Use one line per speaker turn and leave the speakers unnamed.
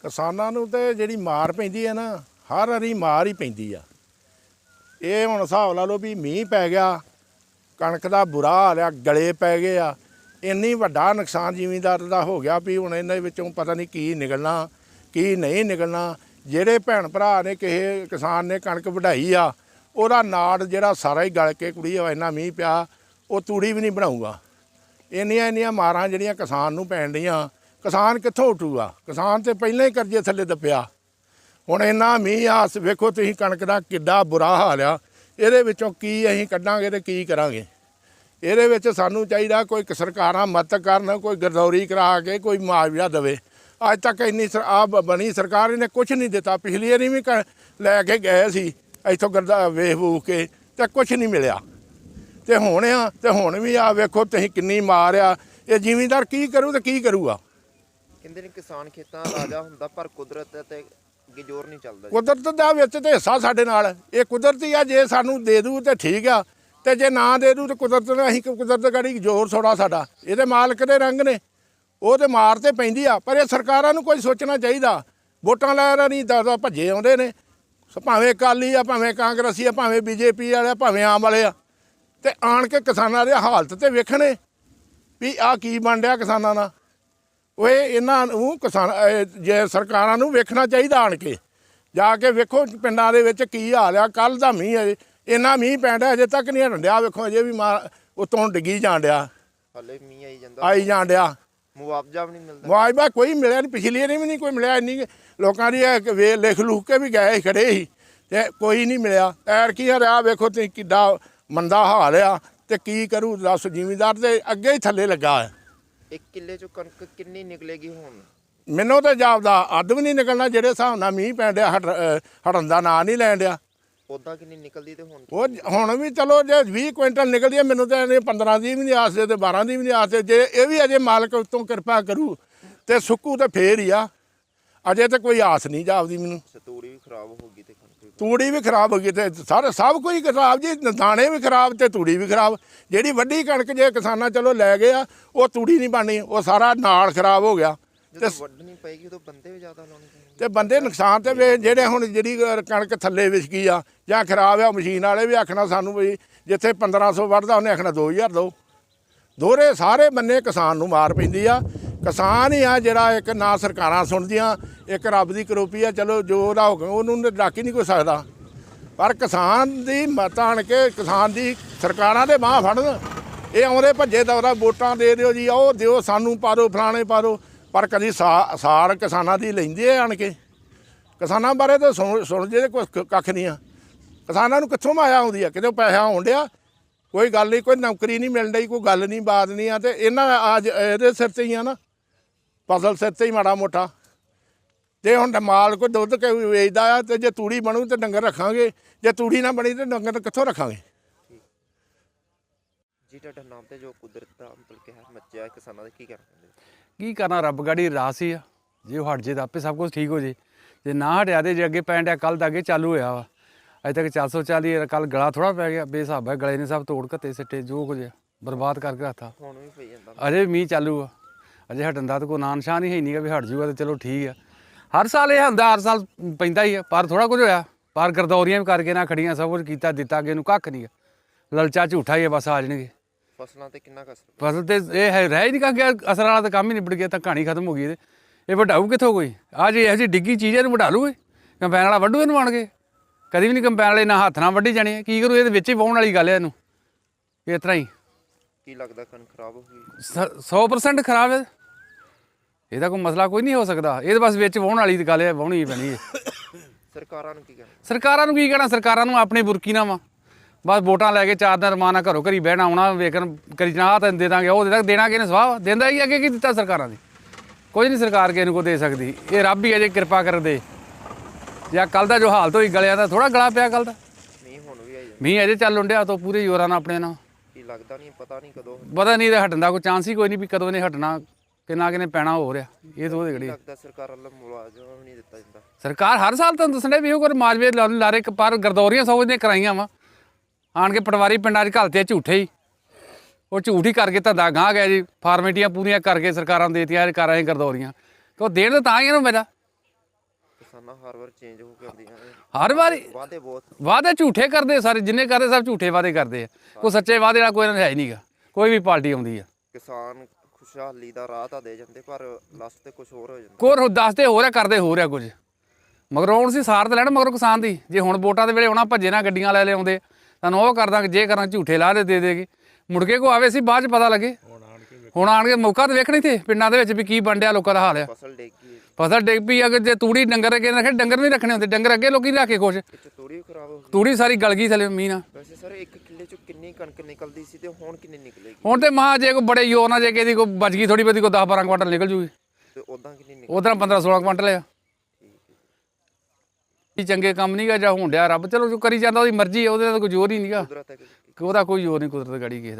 ਕਿਸਾਨਾਂ ਨੂੰ ਤੇ ਜਿਹੜੀ ਮਾਰ ਪੈਂਦੀ ਹੈ ਨਾ, ਹਰ ਵਾਰੀ ਮਾਰ ਹੀ ਪੈਂਦੀ ਆ। ਇਹ ਹੁਣ ਹਿਸਾਬ ਲਾ ਲਓ ਵੀ ਮੀਂਹ ਪੈ ਗਿਆ, ਕਣਕ ਦਾ ਬੁਰਾ ਹਾਲ ਆ, ਗਲੇ ਪੈ ਗਏ ਆ, ਇੰਨੀ ਵੱਡਾ ਨੁਕਸਾਨ ਜ਼ਿਮੀਂਦਾਰ ਦਾ ਹੋ ਗਿਆ ਵੀ ਹੁਣ ਇਹਨਾਂ ਵਿੱਚੋਂ ਪਤਾ ਨਹੀਂ ਕੀ ਨਿਕਲਣਾ ਕੀ ਨਹੀਂ ਨਿਕਲਣਾ। ਜਿਹੜੇ ਭੈਣ ਭਰਾ ਨੇ ਕਿਸੇ ਕਿਸਾਨ ਨੇ ਕਣਕ ਵਢਾਈ ਆ, ਉਹਦਾ ਨਾੜ ਜਿਹੜਾ ਸਾਰਾ ਹੀ ਗਲ ਕੇ ਕੁੜੀ ਇੰਨਾ ਮੀਂਹ ਪਿਆ, ਉਹ ਤੂੜੀ ਵੀ ਨਹੀਂ ਬਣਾਊਗਾ। ਇੰਨੀਆਂ ਮਾਰਾਂ ਜਿਹੜੀਆਂ ਕਿਸਾਨ ਨੂੰ ਪੈਣ ਡੀਆਂ, ਕਿਸਾਨ ਕਿੱਥੋਂ ਉੱਠੂਗਾ? ਕਿਸਾਨ ਤੇ ਪਹਿਲਾਂ ਹੀ ਕਰਜ਼ੇ ਥੱਲੇ ਦੱਬਿਆ। ਹੁਣ ਇੰਨਾ ਮੀਂਹ ਆ, ਵੇਖੋ ਤੁਸੀਂ ਕਣਕ ਦਾ ਕਿੱਡਾ ਬੁਰਾ ਹਾਲ ਆ। ਇਹਦੇ ਵਿੱਚੋਂ ਕੀ ਅਸੀਂ ਕੱਢਾਂਗੇ ਤੇ ਕੀ ਕਰਾਂਗੇ? ਇਹਦੇ ਵਿੱਚ ਸਾਨੂੰ ਚਾਹੀਦਾ ਕੋਈ ਸਰਕਾਰਾਂ ਮਦਦ ਕਰਨ, ਕੋਈ ਗਰਦੌਰੀ ਕਰਾ ਕੇ ਕੋਈ ਮੁਆਵਜ਼ਾ ਦੇਵੇ। ਅੱਜ ਤੱਕ ਇੰਨੀ ਬਣੀ ਸਰਕਾਰ ਨੇ ਕੁਛ ਨਹੀਂ ਦਿੱਤਾ। ਪਿਛਲੀ ਵਾਰੀ ਵੀ ਲੈ ਕੇ ਗਏ ਸੀ ਇੱਥੋਂ ਵੇਖ ਵੂਖ ਕੇ, ਤੇ ਕੁਛ ਨਹੀਂ ਮਿਲਿਆ। ਤੇ ਹੁਣ ਵੀ ਆ ਵੇਖੋ ਤੁਸੀਂ ਕਿੰਨੀ ਮਾਰ ਆ। ਇਹ ਜ਼ਿਮੀਂਦਾਰ ਕੀ ਕਰੂ ਤੇ ਕੀ ਕਰੂਗਾ?
ਕਹਿੰਦੇ ਨੇ ਕਿਸਾਨ ਖੇਤਾਂ ਦਾ ਰਾਜਾ ਹੁੰਦਾ, ਪਰ ਕੁਦਰਤ ਤੇ ਅੱਗੇ ਜ਼ੋਰ ਨਹੀਂ ਚੱਲਦਾ।
ਕੁਦਰਤ ਦਾ ਵਿੱਚ ਤੇ ਹਿੱਸਾ ਸਾਡੇ ਨਾਲ, ਇਹ ਕੁਦਰਤੀ ਆ। ਜੇ ਸਾਨੂੰ ਦੇ ਦੂ ਤੇ ਠੀਕ ਆ, ਤੇ ਜੇ ਨਾ ਦੇ ਦੂ ਤੇ ਕੁਦਰਤ ਨੇ, ਅਸੀਂ ਕੁਦਰਤ ਗਾੜੀ ਜ਼ੋਰ ਥੋੜਾ ਸਾਡਾ। ਇਹਦੇ ਮਾਲਕ ਦੇ ਰੰਗ ਨੇ, ਉਹ ਤੇ ਮਾਰ ਤੇ ਪੈਂਦੀ ਆ। ਪਰ ਇਹ ਸਰਕਾਰਾਂ ਨੂੰ ਕੋਈ ਸੋਚਣਾ ਚਾਹੀਦਾ। ਵੋਟਾਂ ਲੈ ਨਹੀਂ ਤਾਂ ਭੱਜੇ ਆਉਂਦੇ ਨੇ, ਭਾਵੇਂ ਅਕਾਲੀ ਆ, ਭਾਵੇਂ ਕਾਂਗਰਸੀ ਆ, ਭਾਵੇਂ BJP ਵਾਲੇ, ਭਾਵੇਂ ਆਮ ਵਾਲੇ ਆ, ਤੇ ਆਣ ਕੇ ਕਿਸਾਨਾਂ ਦੀ ਹਾਲਤ ਤੇ ਵੇਖਣੇ ਵੀ ਆਹ ਕੀ ਬਣ ਰਿਹਾ ਕਿਸਾਨਾਂ ਨਾਲ। ਓਏ ਇਹਨਾਂ ਨੂੰ ਜੇ ਸਰਕਾਰਾਂ ਨੂੰ ਵੇਖਣਾ ਚਾਹੀਦਾ, ਆਣ ਕੇ ਜਾ ਕੇ ਵੇਖੋ ਪਿੰਡਾਂ ਦੇ ਵਿੱਚ ਕੀ ਹਾਲ ਆ। ਕੱਲ੍ਹ ਦਾ ਮੀਂਹ ਹੈ, ਇੰਨਾ ਮੀਂਹ ਪੈਣ ਡਿਆ, ਅਜੇ ਤੱਕ ਨਹੀਂ ਹਟਣ ਡਿਆ। ਵੇਖੋ ਅਜੇ ਵੀ ਉਤੋਂ ਡਿੱਗੀ ਜਾਣ ਡਿਆ,
ਹਾਲੇ ਮੀਂਹ
ਆਈ ਜਾਣ ਡਿਆ।
ਮੁਆਵਜ਼ਾ ਵੀ ਨਹੀਂ ਮਿਲਦਾ।
ਮੁਆਵਜ਼ਾ ਕੋਈ ਮਿਲਿਆ ਨਹੀਂ, ਪਿਛਲੀ ਵਾਰੀ ਵੀ ਨਹੀਂ ਕੋਈ ਮਿਲਿਆ। ਇੰਨੀ ਲੋਕਾਂ ਦੀ ਲਿਖ ਲੁਖ ਕੇ ਵੀ ਗਏ ਖੜੇ ਸੀ ਤੇ ਕੋਈ ਨਹੀਂ ਮਿਲਿਆ। ਐਰਕੀ ਰਿਹਾ ਵੇਖੋ ਤੁਸੀਂ ਕਿੱਡਾ ਮੰਦਾ ਹਾਲ ਆ। ਤੇ ਕੀ ਕਰੂ ਦੱਸ? ਜ਼ਿਮੀਂਦਾਰ ਤੇ ਅੱਗੇ ਹੀ ਥੱਲੇ ਲੱਗਾ ਹੈ।
1 ਕਿੱਲੇ ਚੋਂ ਕਣਕ ਕਿੰਨੀ ਨਿਕਲੇਗੀ ਹੁਣ?
ਮੈਨੂੰ ਤਾਂ ਜਾਪਦਾ ਅੱਧ ਵੀ ਨਹੀਂ ਨਿਕਲਣਾ। ਜਿਹੜੇ ਹਿਸਾਬ ਨਾਲ ਮੀਂਹ ਪੈਣ ਡਿਆ, ਹਟਣ ਦਾ ਨਾਂ ਨਹੀਂ ਲੈਣ ਡਿਆ।
ਉੱਦਾਂ ਕਿੰਨੀ ਨਿਕਲਦੀ ਤੇ ਹੁਣ?
ਉਹ ਹੁਣ ਵੀ ਚਲੋ ਜੇ 20 ਕੁਇੰਟਲ ਨਿਕਲਦੀ ਹੈ, ਮੈਨੂੰ ਤਾਂ 15 ਦੀ ਵੀ ਨਹੀਂ ਆਸਦੇ ਤੇ 12 ਦੀ ਵੀ ਨਹੀਂ ਆਸਦੇ। ਜੇ ਇਹ ਵੀ ਅਜੇ ਮਾਲਕ ਉੱਤੋਂ ਕਿਰਪਾ ਕਰੂ ਤੇ ਸੁੱਕੂ ਤੇ ਫੇਰ ਹੀ ਆ। ਅਜੇ ਤਾਂ ਕੋਈ ਆਸ ਨਹੀਂ ਜਾਪਦੀ ਮੈਨੂੰ।
ਤੂੜੀ ਵੀ ਖਰਾਬ ਹੋ ਗਈ ਤੇ ਕਣਕ
ਤੂੜੀ ਵੀ ਖਰਾਬ ਹੋ ਗਈ ਤੇ ਸਭ ਕੁਝ ਖਰਾਬ ਜੀ। ਦਾਣੇ ਵੀ ਖਰਾਬ ਤੇ ਤੂੜੀ ਵੀ ਖਰਾਬ। ਜਿਹੜੀ ਵੱਡੀ ਕਣਕ ਜੇ ਕਿਸਾਨਾਂ ਚਲੋ ਲੈ ਗਏ ਆ, ਉਹ ਤੂੜੀ ਨਹੀਂ ਬਣਨੀ, ਉਹ ਸਾਰਾ ਨਾਲ ਖਰਾਬ ਹੋ ਗਿਆ।
ਜਦੋਂ ਵੱਢਣੀ ਪਏਗੀ ਉਦੋਂ ਬੰਦੇ ਵੀ ਜ਼ਿਆਦਾ ਲਾਉਣੇ ਪੈਣਗੇ।
ਤੇ ਬੰਦੇ ਨੁਕਸਾਨ ਤੇ ਜਿਹੜੇ ਹੁਣ ਜਿਹੜੀ ਕਣਕ ਥੱਲੇ ਵਿਛ ਗਈ ਆ ਜਾਂ ਖਰਾਬ ਆ, ਮਸ਼ੀਨ ਵਾਲੇ ਵੀ ਆਖਣਾ ਸਾਨੂੰ ਵੀ ਜਿੱਥੇ 1500 ਵੱਢਦਾ ਉਹਨੇ ਆਖਣਾ 2000 ਦਿਓ। ਦੋਹਰੇ ਸਾਰੇ ਬੰਨੇ ਕਿਸਾਨ ਨੂੰ ਮਾਰ ਪੈਂਦੀ ਆ। ਕਿਸਾਨ ਹੀ ਆ ਜਿਹੜਾ ਇੱਕ ਨਾ ਸਰਕਾਰਾਂ ਸੁਣਦੀਆਂ, ਇੱਕ ਰੱਬ ਦੀ ਕਰੋਪੀ ਆ। ਚਲੋ ਜੋ ਉਹਦਾ ਹੁਕਮ ਉਹਨੂੰ ਡੱਕ ਹੀ ਨਹੀਂ ਕੋਈ ਸਕਦਾ। ਪਰ ਕਿਸਾਨ ਦੀ ਮਤ ਆਣ ਕੇ ਕਿਸਾਨ ਦੀ ਸਰਕਾਰਾਂ ਦੇ ਬਾਂਹ ਫੜਨ। ਇਹ ਆਉਂਦੇ ਭੱਜੇ ਦੌਰਾ ਵੋਟਾਂ ਦੇ ਦਿਓ ਜੀ, ਉਹ ਦਿਓ ਸਾਨੂੰ, ਪਾ ਦਿਓ ਫਲਾਣੇ ਪਾ ਦਿਓ। ਪਰ ਕਦੀ ਸਾਰ ਕਿਸਾਨਾਂ ਦੀ ਲੈਂਦੇ ਆਣ ਕੇ। ਕਿਸਾਨਾਂ ਬਾਰੇ ਤਾਂ ਸੁਣਦੇ ਕੁਛ ਕੱਖ ਨਹੀਂ ਆ। ਕਿਸਾਨਾਂ ਨੂੰ ਕਿੱਥੋਂ ਮਾਇਆ ਆਉਂਦੀ ਆ? ਕਿਤੇ ਪੈਸਾ ਆਉਣ ਡਿਆ, ਕੋਈ ਗੱਲ ਨਹੀਂ, ਕੋਈ ਨੌਕਰੀ ਨਹੀਂ ਮਿਲਣ ਡਈ, ਕੋਈ ਗੱਲ ਨਹੀਂ ਬਾਤ ਨਹੀਂ ਆ। ਤੇ ਇਹਨਾਂ ਅੱਜ ਇਹਦੇ ਸਿਰ 'ਤੇ ਹੀ ਆ ਨਾ, ਫਸਲ ਸਿਰ 'ਤੇ ਹੀ ਮਾੜਾ ਮੋਟਾ। ਤੇ ਹੁਣ ਮਾਲ ਕੋਈ ਦੁੱਧ ਕੇ ਵੇਚਦਾ ਆ, ਤੇ ਜੇ ਤੂੜੀ ਬਣੂ ਤਾਂ ਡੰਗਰ ਰੱਖਾਂਗੇ, ਜੇ ਤੂੜੀ ਨਾ ਬਣੀ ਤਾਂ ਡੰਗਰ ਕਿੱਥੋਂ ਰੱਖਾਂਗੇ?
ਜੀ ਤੁਹਾਡਾ ਨਾਮ ਤੇ ਜੋ ਕੁਦਰਤ ਦਾ ਮਤਲਬ ਕਿ ਹੈ ਮੱਚਿਆ ਕਿਸਾਨਾਂ ਦੇ ਕੀ ਕਰਨਾ?
ਕੀ ਕਰਨਾ, ਰੱਬ ਗਾੜੀ ਰਾਸ ਹੀ ਆ। ਜੇ ਉਹ ਹਟ ਜੇ ਤਾਂ ਆਪੇ ਸਭ ਕੁਝ ਠੀਕ ਹੋ ਜੇ। ਜੇ ਨਾ ਹਟਿਆ ਤੇ ਜੇ ਅੱਗੇ ਪੈਣ ਡਿਆ, ਕੱਲ੍ਹ ਦਾ ਅੱਗੇ ਚਾਲੂ ਹੋਇਆ ਵਾ, ਅਜੇ ਤੱਕ 440। ਕੱਲ੍ਹ ਗਲਾ ਥੋੜ੍ਹਾ ਪੈ ਗਿਆ, ਬੇਹਿਸਾਬ ਹੈ। ਗਲੇ ਨੇ ਸਭ ਤੋੜ ਘੱਤੇ ਸਿੱਟੇ, ਜੋ ਕੁਝ ਬਰਬਾਦ ਕਰਕੇ ਰੱਖਤਾ।
ਹੁਣ ਵੀ ਪਈ ਜਾਂਦਾ,
ਅਜੇ ਵੀ ਮੀਂਹ ਚਾਲੂ ਆ। ਅਜੇ ਹਟਣ ਦਾ ਤਾਂ ਕੋਈ ਨਾਂ ਨਿਸ਼ਾਨ ਹੀ ਹੈ ਨਹੀਂ ਗਾ ਵੀ ਹਟ ਜੂਗਾ ਤੇ ਚਲੋ ਠੀਕ ਆ। ਹਰ ਸਾਲ ਇਹ ਹੁੰਦਾ, ਹਰ ਸਾਲ ਪੈਂਦਾ ਹੀ ਆ, ਪਰ ਥੋੜ੍ਹਾ ਕੁਝ ਹੋਇਆ। ਪਰ ਗਰਦੌਰੀਆਂ ਵੀ ਕਰਕੇ ਨਾ ਖੜੀਆਂ, ਸਭ ਕੁਝ ਕੀਤਾ ਦਿੱਤਾ, ਅੱਗੇ ਨੂੰ ਕੱਖ ਨਹੀਂ ਗਾ। ਲਲਚਾ ਝੂਠਾ ਹੀ ਆ, ਬਸ ਆ ਜਾਣਗੇ।
ਫਸਲਾਂ ਤੇ ਕਿੰਨਾ ਕੁ ਅਸਰ?
ਫਸਲ ਤੇ ਇਹ ਹੈ ਰਹਿ ਹੀ ਨਹੀਂ ਗਿਆ, ਅਸਰ ਵਾਲਾ ਤਾਂ ਕੰਮ ਹੀ ਨਿਬੜ ਗਿਆ, ਤਾਂ ਕਹਾਣੀ ਖਤਮ ਹੋ ਗਈ। ਇਹ ਵਢਾਊ ਕਿੱਥੋਂ ਕੋਈ? ਆਹ ਜੇ ਇਹੋ ਜਿਹੀ ਡਿੱਗੀ ਚੀਜ਼ ਇਹਨੂੰ ਵਢਾ ਲੂਗੇ? ਕੰਪੈਨ ਵਾਲਾ ਵੱਢੂ ਇਹਨੂੰ ਆਣ ਕੇ? ਕਦੀ ਵੀ ਨਹੀਂ ਕੰਪੈਨ ਵਾਲੇ ਨਾ ਹੱਥ ਨਾਲ ਵੱਢੀ ਜਾਣੀ। ਕੀ ਕਰੂ? ਇਹਦੇ ਵਿੱਚ ਹੀ ਵਾਹੁਣ ਵਾਲੀ ਗੱਲ ਹੈ ਇਹਨੂੰ। ਇਸ ਤਰ੍ਹਾਂ ਹੀ
ਕੀ ਲੱਗਦਾ ਕਣਕ ਖਰਾਬ ਹੋ ਗਈ?
100% ਖਰਾਬ ਹੈ। ਇਹਦਾ ਕੋਈ ਮਸਲਾ ਕੋਈ ਨਹੀਂ ਹੋ ਸਕਦਾ। ਇਹ ਤਾਂ ਬਸ ਵਿੱਚ ਵਾਹੁਣ ਵਾਲੀ ਦੀ ਗੱਲ ਹੈ, ਵਾਹੁਣੀ ਪੈਣੀ ਹੈ।
ਸਰਕਾਰਾਂ ਨੂੰ ਕੀ ਕਹਿਣਾ?
ਸਰਕਾਰਾਂ ਨੂੰ ਕੀ ਕਹਿਣਾ? ਸਰਕਾਰਾਂ ਨੂੰ ਆਪਣੀ ਬੁਰਕੀ ਨਾ ਵਾ, ਬਸ ਵੋਟਾਂ ਲੈ ਕੇ 4 ਦਿਨ ਰਮਾਨ ਨਾਲ ਘਰੋਂ ਘਰੀ ਬਹਿਣਾ, ਆਉਣਾ, ਵੇਖਣ ਕਰੀ ਨਾ ਤਾਂ ਦੇ ਦਾਂਗੇ, ਉਹ ਦੇ ਦਾਂਗੇ। ਦੇਣਾ ਕਿਹਨੇ? ਸਵਾਹ ਦਿੰਦਾ ਹੀ ਅੱਗੇ ਕੀ ਦਿੱਤਾ ਸਰਕਾਰਾਂ ਦੀ? ਕੁਝ ਨਹੀਂ ਸਰਕਾਰ ਕਿਸੇ ਨੂੰ ਕੋਈ ਦੇ ਸਕਦੀ। ਇਹ ਰੱਬ ਹੀ ਅਜੇ ਕਿਰਪਾ ਕਰ ਦੇ। ਜਾਂ ਕੱਲ੍ਹ ਦਾ ਜੋ ਹਾਲਤ ਹੋਈ ਗਲਿਆਂ ਦਾ, ਥੋੜ੍ਹਾ ਗਲਾ ਪਿਆ ਕੱਲ੍ਹ ਦਾ।
ਮੀਂਹ ਹੁਣ ਵੀ ਆਈ ਜਾਂਦਾ,
ਮੀਂਹ ਅਜੇ ਚੱਲ ਡਿਆ ਤੋਂ ਪੂਰੇ ਜ਼ੋਰਾਂ ਨਾਲ ਆਪਣੇ ਨਾਲ।
ਕੀ ਲੱਗਦਾ ਨਹੀਂ, ਪਤਾ ਨਹੀਂ ਕਦੋਂ
ਪਤਾ ਨਹੀਂ ਇਹਦਾ ਹਟਣ ਦਾ ਕੋਈ ਚਾਂਸ ਹੀ ਕੋਈ ਨਹੀਂ ਵੀ ਕਦੋਂ ਇਹਨੇ ਹਟਣਾ, ਕਿੰਨਾ ਕਿਨੇ ਪੈਣਾ ਹੋ ਰਿਹਾ। ਇਹ ਤਾਂ ਉਹਦੇ ਘੜੀ
ਲੱਗਦਾ ਸਰਕਾਰ ਵੱਲੋਂ ਮੁਆਵਜ਼ਾ ਵੀ ਨਹੀਂ ਦਿੱਤਾ ਜਾਂਦਾ।
ਸਰਕਾਰ ਹਰ ਸਾਲ ਤੁਹਾਨੂੰ ਦੱਸਣ ਵੀ ਉਹ ਕੋਈ ਮਾਜਵੇ ਲਾਰੇ ਪਰ ਗਰਦੌਰੀਆਂ ਸੌ ਦੀਆਂ ਕਰਾਈਆਂ ਵਾ। ਆਣ ਕੇ ਪਟਵਾਰੀ ਪਿੰਡਾਂ 'ਚ ਘਲਤੇ ਝੂਠੇ ਹੀ, ਉਹ ਝੂਠ ਹੀ ਕਰਕੇ ਧੰਦਾ ਗਾਹ ਗਿਆ ਜੀ। ਫਾਰਮੈਲਟੀਆਂ ਪੂਰੀਆਂ ਕਰਕੇ ਸਰਕਾਰਾਂ ਨੂੰ ਦੇਤੀਆਂ, ਕਰ ਰਹੇ ਗਰਦੌਰੀਆਂ। ਕਿ ਉਹ ਦੇਣ ਤਾਂ ਹੀ ਇਹਨੂੰ ਮੇਰਾ
ਕਿਸਾਨਾਂ ਹਰ ਵਾਰ ਚੇਂਜ ਹੋ ਕੇ ਆਉਂਦੀਆਂ ਨੇ,
ਹਰ ਵਾਰੀ
ਵਾਅਦੇ ਬਹੁਤ
ਵਾਅਦੇ ਝੂਠੇ ਕਰਦੇ ਸਾਰੇ, ਜਿੰਨੇ ਕਰਦੇ ਸਭ ਝੂਠੇ ਵਾਅਦੇ ਕਰਦੇ ਆ। ਕੋਈ ਸੱਚੇ ਵਾਅਦੇ ਵਾਲਾ ਕੋਈ ਇਹਨਾਂ ਦਾ ਹੈ ਹੀ ਨਹੀਂਗਾ। ਕੋਈ ਵੀ ਪਾਰਟੀ ਆਉਂਦੀ ਆ
ਕਿਸਾਨ ਖੁਸ਼ਹਾਲੀ ਦਾ ਰਾਹ ਤਾਂ ਦੇ ਜਾਂਦੇ, ਪਰ ਲਾਸਟ ਤੇ ਕੁਝ ਹੋਰ ਹੋ ਜਾਂਦਾ।
ਕੋਰ ਦੱਸਦੇ ਹੋ ਰਿਹਾ, ਕਰਦੇ ਹੋ ਰਿਹਾ ਕੁਝ, ਮਗਰ ਹੁਣ ਸੀ ਸਾਰ ਤੇ ਲੈਣ ਮਗਰ ਕਿਸਾਨ ਦੀ। ਜੇ ਹੁਣ ਵੋਟਾਂ ਦੇ ਵੇਲੇ ਆਉਣਾ ਭੱਜੇ ਨਾ ਗੱਡੀਆਂ ਲੈ ਆਉਂਦੇ, ਤੁਹਾਨੂੰ ਉਹ ਕਰ ਦਾਂਗੇ, ਜੇ ਕਰਾਂ ਝੂਠੇ ਲਾਹ ਦੇ ਦੇਗੀ, ਮੁੜ ਕੇ ਕੋ ਆਵੇ ਸੀ ਬਾਅਦ ਚ ਪਤਾ ਲੱਗੇ। ਹੁਣ ਆਣ ਕੇ ਮੌਕਾ ਤਾਂ ਵੇਖਣੀ ਤੇ ਪਿੰਡਾਂ ਦੇ ਵਿੱਚ ਵੀ ਕੀ ਬਣ ਡਿਆ, ਲੋਕਾਂ ਦਾ ਹਾਲ ਆ।
ਫਸਲ ਡਿੱਗ ਗਈ,
ਫਸਲ ਡਿੱਗ ਪਈ। ਅਗਰ ਜੇ ਤੂੜੀ ਡੰਗਰ ਅੱਗੇ ਰੱਖੇ, ਡੰਗਰ ਨਹੀਂ ਰੱਖਣੇ ਹੁੰਦੇ, ਡੰਗਰ ਅੱਗੇ ਲੋਕੀ ਰੱਖ ਕੇ ਖੁਸ਼।
ਵਿੱਚ ਤੂੜੀ ਵੀ ਖਰਾਬ ਹੋ ਗਈ।
ਤੂੜੀ ਸਾਰੀ ਗਲ ਗਈ ਥੱਲੇ ਮੀਂਹ ਨਾਲ।
ਵੈਸੇ ਸਰ ਇੱਕ ਕਿੱਲੇ ਚੋਂ ਕਿੰਨੀ ਕਣਕ ਨਿਕਲਦੀ ਸੀ ਤੇ ਹੁਣ ਕਿੰਨੀ ਨਿਕਲੇਗੀ?
ਹੁਣ ਤੇ ਮਹਾ ਜੇ ਕੋਈ ਬੜੇ ਜ਼ੋਰ ਨਾਲ ਜੇ ਕਿਸੇ ਦੀ ਕੋਈ ਬਚ ਗਈ ਥੋੜੀ ਬਹੁਤੀ, ਕੋਈ 10-12 ਕੁਆਂਟਲ ਨਿਕਲ ਜੂਗੀ।
ਤੇ ਉਦਾਂ ਕਿੰਨੀ ਨਿਕਲ?
ਉਧਰ 15-16 ਕੁਆਂਟਲ ਆ। ਇਹ ਚੰਗੇ ਕੰਮ ਨਹੀਂਗਾ ਜਾਂ ਹੋਣ ਡਿਆ ਰੱਬ ਚਲੋ ਜੋ ਕਰੀ ਜਾਂਦਾ, ਉਹਦੀ ਮਰਜ਼ੀ ਹੈ, ਉਹਦੇ ਨਾਲ ਕੋਈ ਜ਼ੋਰ ਹੀ ਨਹੀਂਗਾ।
ਕੁਦਰਤ ਹੈ ਕਿ
ਉਹਦਾ ਕੋਈ ਜ਼ੋਰ ਨਹੀਂ, ਕੁਦਰਤ ਗਾੜੀ ਕਿਸੇ ਦਾ।